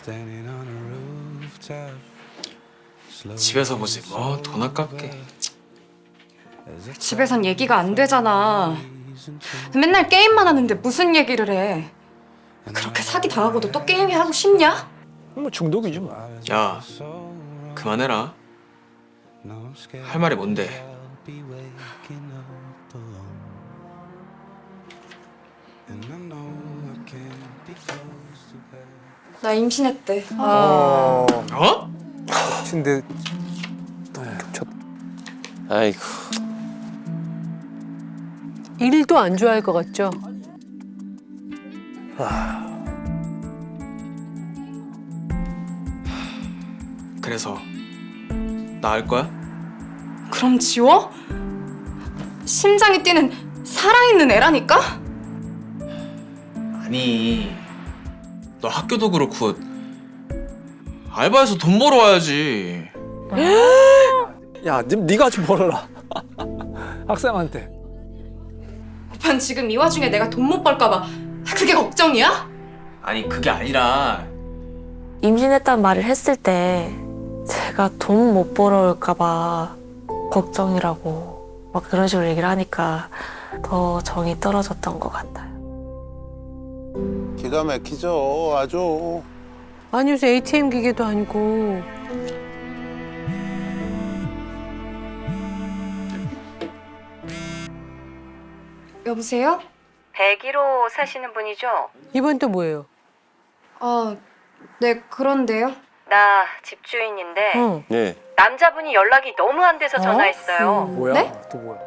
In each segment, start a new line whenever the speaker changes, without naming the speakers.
집에서 보지 뭐 돈 아깝게.
집에선 얘기가 안 되잖아. 맨날 게임만 하는데 무슨 얘기를 해. 그렇게 사기 당하고도 또 게임이 하고 싶냐?
뭐 중독이지 뭐.
야 그만해라. 할 말이 뭔데?
나 임신했대.
어?
근데 너무 겹쳤.
아이고.
일도 안 좋아할 것 같죠?
그래서 나 할 거야?
그럼 지워? 심장이 뛰는 살아있는 애라니까?
아니 너 학교도 그렇고 알바해서 돈 벌어와야지.
야, 네가 좀 벌어라. 학생한테.
오빠는 지금 이 와중에 내가 돈 못 벌까 봐 그게 걱정이야?
아니 그게 아니라
임신했다는 말을 했을 때 제가 돈 못 벌어올까 봐 걱정이라고 막 그런 식으로 얘기를 하니까 더 정이 떨어졌던 것 같아요.
기가 막히죠, 아주.
아니 요새 ATM 기계도 아니고.
여보세요?
101호 사시는 분이죠?
이번 또 뭐예요?
네 그런데요.
나 집주인인데
어.
예.
남자분이 연락이 너무 안 돼서 전화했어요.
뭐야?
네?
또 뭐야?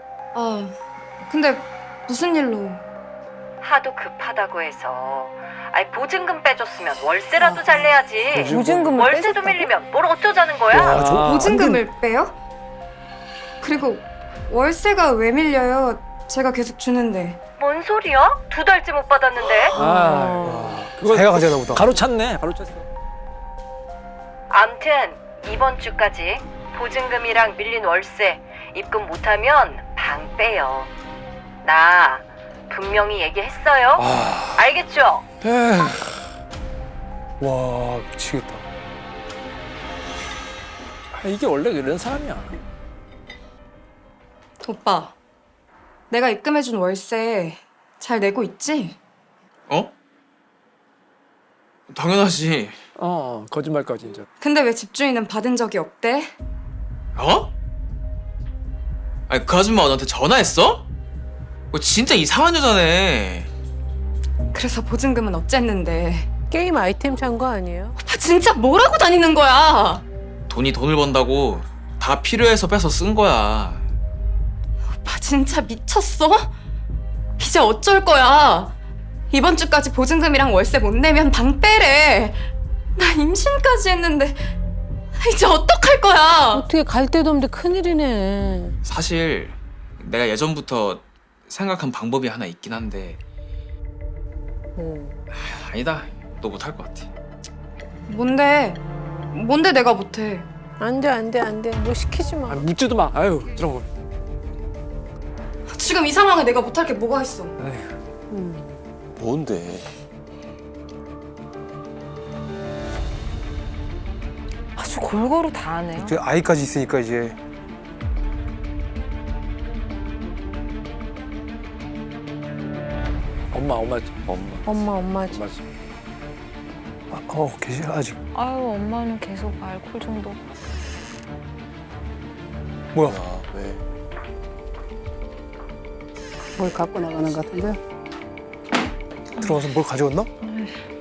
근데 무슨 일로?
하도 급하다고 해서 아니 보증금 빼줬으면 월세라도 잘 내야지.
보증금을
월세도 밀리면 뭘 어쩌자는 거야?
와, 저
보증금을 빼요? 그리고 월세가 왜 밀려요? 제가 계속 주는데.
뭔 소리야? 2달째 못 받았는데.
그거 자기가 가져다 보다. 가로찼네. 가로찼어.
암튼 이번 주까지 보증금이랑 밀린 월세 입금 못하면 방 빼요. 나 분명히 얘기했어요. 알겠죠?
와, 미치겠다. 이게 원래 이런 사람이야.
오빠, 내가 입금해준 월세 잘 내고 있지?
어? 당연하지.
거짓말까지 이제.
근데 왜 집주인은 받은 적이 없대?
어? 아니 그 아줌마가 너한테 전화했어? 그거 진짜 이상한 여자네.
그래서 보증금은 어쨌는데.
게임 아이템 산 거 아니에요?
오빠 진짜 뭐라고 다니는 거야?
돈이 돈을 번다고 다 필요해서 빼서 쓴 거야.
오빠 진짜 미쳤어? 이제 어쩔 거야? 이번 주까지 보증금이랑 월세 못 내면 방 빼래. 나 임신까지 했는데 이제 어떡할 거야?
어떻게 갈 데도 없는데 큰일이네.
사실 내가 예전부터 생각한 방법이 하나 있긴 한데 아니다. 너 못할 것 같아.
뭔데? 뭔데 내가 못해?
안 돼, 안 돼, 안 돼. 뭐 시키지 마.
묻지도 마. 아유, 저런 거.
지금 이 상황에 내가 못할 게 뭐가 있어?
뭔데?
아주 골고루 다 하네요.
이제 아이까지 있으니까 이제. 엄마지.
엄마지.
엄마지. 계시 아직.
아유, 엄마는 계속 알코올 중독.
뭐야?
아, 왜?
뭘 갖고 나가는 것 같은데?
들어가서 뭘 가져왔나?